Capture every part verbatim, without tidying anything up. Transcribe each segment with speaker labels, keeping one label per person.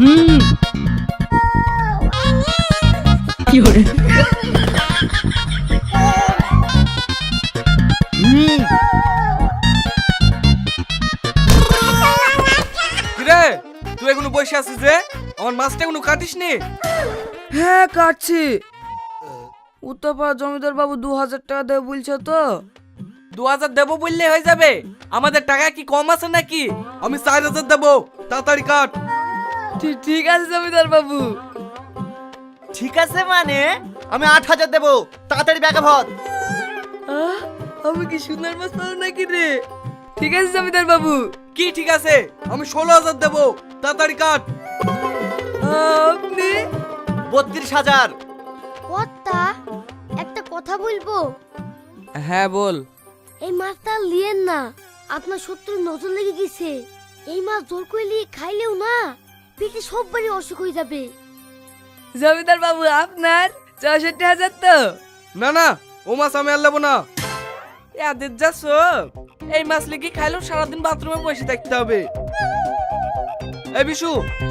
Speaker 1: হুম কি হরে
Speaker 2: হুম
Speaker 3: কিরে তুই এখনো বসে আছিস যে আমার মাছটা এখনো কাটিস নি?
Speaker 4: হ্যাঁ কাটছি। উত্তরপাড়া জমিদার বাবু দু হাজার টাকা দেবে বলছে তো।
Speaker 3: দু হাজার দেবো বললে হয়ে যাবে? আমাদের টাকা কি কম আছে নাকি? আমি চার হাজার দেবো, তাড়াতাড়ি কাট।
Speaker 4: ঠিক ঠিক আছে জমিদার বাবু।
Speaker 2: ঠিক আছে মানে আমি আট হাজার দেবো, তাড়াতাড়ি ব্যাগে ভর।
Speaker 4: আহ, আমি কি সুন্দর মাছ পাবো নাকি রে? ঠিক আছে জমিদার বাবু।
Speaker 3: কি ঠিক আছে? আমি ষোলো হাজার দেবো, তাড়াতাড়ি কাট।
Speaker 4: আপনি
Speaker 2: বত্রিশ হাজার।
Speaker 5: কর্তা, একটা কথা বলবো?
Speaker 4: হ্যাঁ বল।
Speaker 5: এই মাছটা আর লিয়েন না, আপনার শত্রুর নজর লেগে গেছে। এই মাছ জোর করে লিয়ে খাইলেও না পেটে সব বাড়ি অসুখ হয়ে যাবে।
Speaker 4: জমিদার বাবু আপনার চৌষট্টি হাজার তো?
Speaker 3: না না, ও মাছ আমি আর নেবো না। এদের যা সব, এই মাছ লিখে খাইলেও সারাদিন বাথরুমে বসে থাকতে হবে। এই বিশু চ।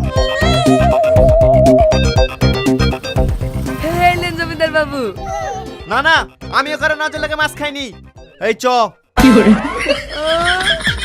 Speaker 4: হ্যাঁ এলেন জমিদার বাবু।
Speaker 2: না না, আমি ওখানে নজর লেগে মাছ খাইনি। এই চ।
Speaker 1: কি হরে
Speaker 4: আহ,